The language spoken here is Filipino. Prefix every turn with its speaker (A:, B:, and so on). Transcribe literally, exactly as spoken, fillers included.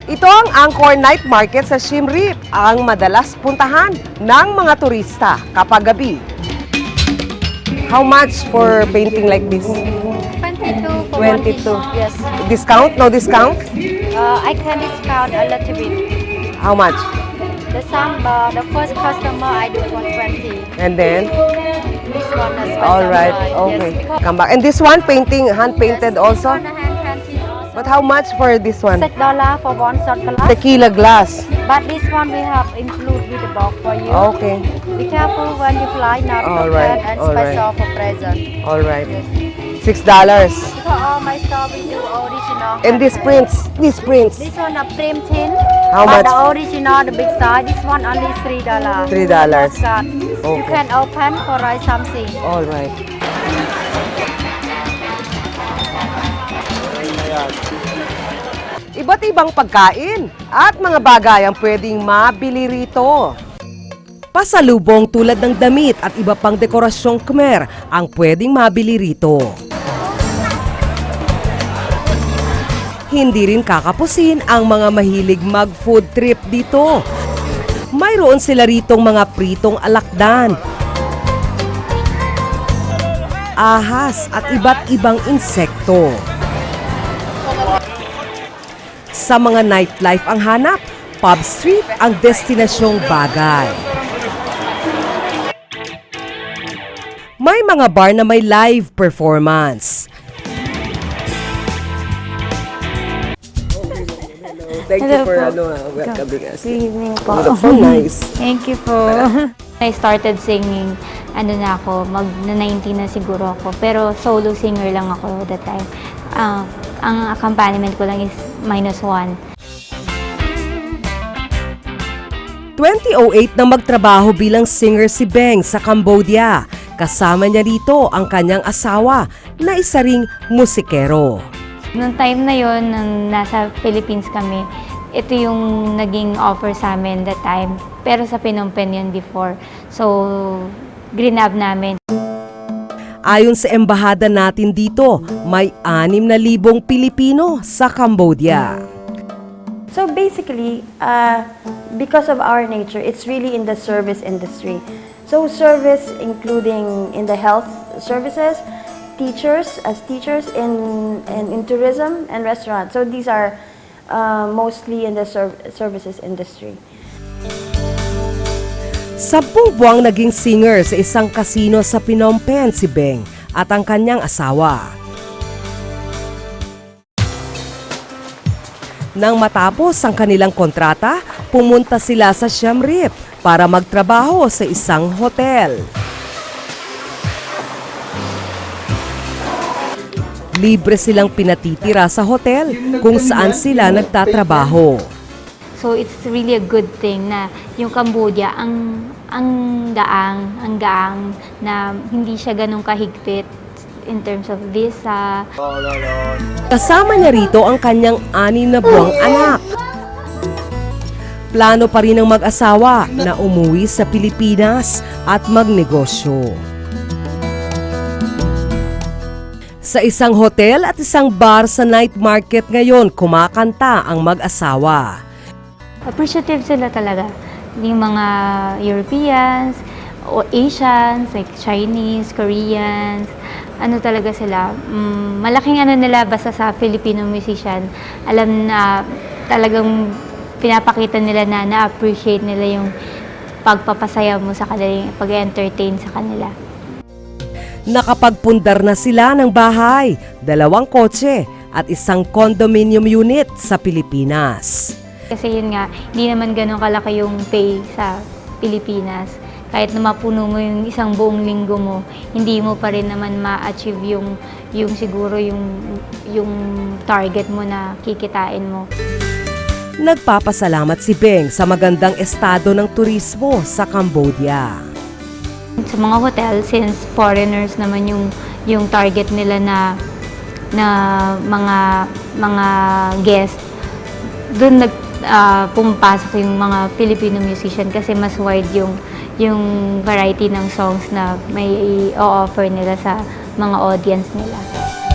A: Ito ang Angkor Night Market sa Siem Reap, ang madalas puntahan ng mga turista kapag gabi. How much for painting like this?
B: twenty-two for one piece.
A: twenty-two.
B: Yes.
A: Discount? No discount?
B: Uh, I can discount a little bit.
A: How much?
B: The samba, the first customer I do one twenty.
A: And then?
B: This one is by
A: All right,
B: samba.
A: okay.
B: Yes, because
A: Come back. And this one, painting, hand-painted
B: yes,
A: also?
B: This one hand painted also.
A: But how much for this one?
B: Six dollar for one shot glass.
A: Tequila glass.
B: But this one we have include with the box for you.
A: Okay.
B: Be careful when you fly, not
A: All
B: open
A: right,
B: and
A: all
B: special for present.
A: All right.
B: Yes.
A: Six dollars.
B: Because all my store we do original.
A: And this
B: handmade.
A: prints, this prints.
B: This one a prem tin.
A: How much?
B: but the original, the big size, this one only three dollars.
A: Three dollars.
B: You
A: Okay.
B: can open for write something.
A: All right. Iba't ibang pagkain at mga bagay ang pwedeng mabili rito. Pasalubong tulad ng damit at iba pang dekorasyong Khmer ang pwedeng mabili rito. Hindi rin kakapusin ang mga mahilig mag-food trip dito. Mayroon sila ritong mga pritong alakdan, ahas at iba't ibang insekto. Sa mga nightlife ang hanap, pub street ang destinasyong bagay. May mga bar na may live performance. Thank you
C: Hello
A: for
C: po.
A: ano, welcoming us.
C: Good evening po.
A: So nice.
C: Thank you po. I started singing, ano na ako, mag nineteen na siguro ako. Pero solo singer lang ako that time. Ah, ang accompaniment ko lang is minus one.
A: twenty oh eight na magtrabaho bilang singer si Beng sa Cambodia. Kasama niya rito ang kanyang asawa na isa ring musikero.
C: Noong time na yon, nang nasa Philippines kami, ito yung naging offer sa amin that time. Pero sa Phnom Penh yun before. So, grinab namin.
A: Ayon sa embahada natin dito, may anim na libong Pilipino sa Cambodia.
D: So basically, uh, because of our nature, it's really in the service industry. So service including in the health services, teachers as teachers in, in, in tourism and restaurants. So these are uh, mostly in the serv services industry.
A: Sampung buwang naging singer sa isang kasino sa Phnom Penh si Beng at ang kanyang asawa. Nang matapos ang kanilang kontrata, pumunta sila sa Siem Reap para magtrabaho sa isang hotel. Libre silang pinatitira sa hotel kung saan sila nagtatrabaho.
C: So it's really a good thing na yung Cambodia ang ang gaang, ang gaang na hindi siya ganun kahigpit in terms of visa.
A: Kasama niya rito ang kanyang anim na buwang anak. Plano pa rin ng mag-asawa na umuwi sa Pilipinas at magnegosyo. Sa isang hotel at isang bar sa night market ngayon, kumakanta ang mag-asawa.
C: Appreciative sila talaga. Yung mga Europeans, o Asians, like Chinese, Koreans, ano talaga sila, um, malaking ano nila basta sa Filipino musician, alam na talagang pinapakita nila na na-appreciate nila yung pagpapasaya mo sa kanila, pag-entertain sa kanila.
A: Nakapagpundar na sila ng bahay, dalawang kotse at isang condominium unit sa Pilipinas.
C: Kasi yun nga, hindi naman ganun kalaki yung pay sa Pilipinas. Kahit na mapuno mo yung isang buong linggo mo, hindi mo pa rin naman ma-achieve yung, yung siguro yung, yung target mo na kikitain mo.
A: Nagpapasalamat si Beng sa magandang estado ng turismo sa Cambodia.
C: Sa mga hotel, since foreigners naman yung, yung target nila na, na mga, mga guest, doon nag, uh, pumapasok yung mga Filipino musician kasi mas wide yung, yung variety ng songs na may i-offer nila sa mga audience nila.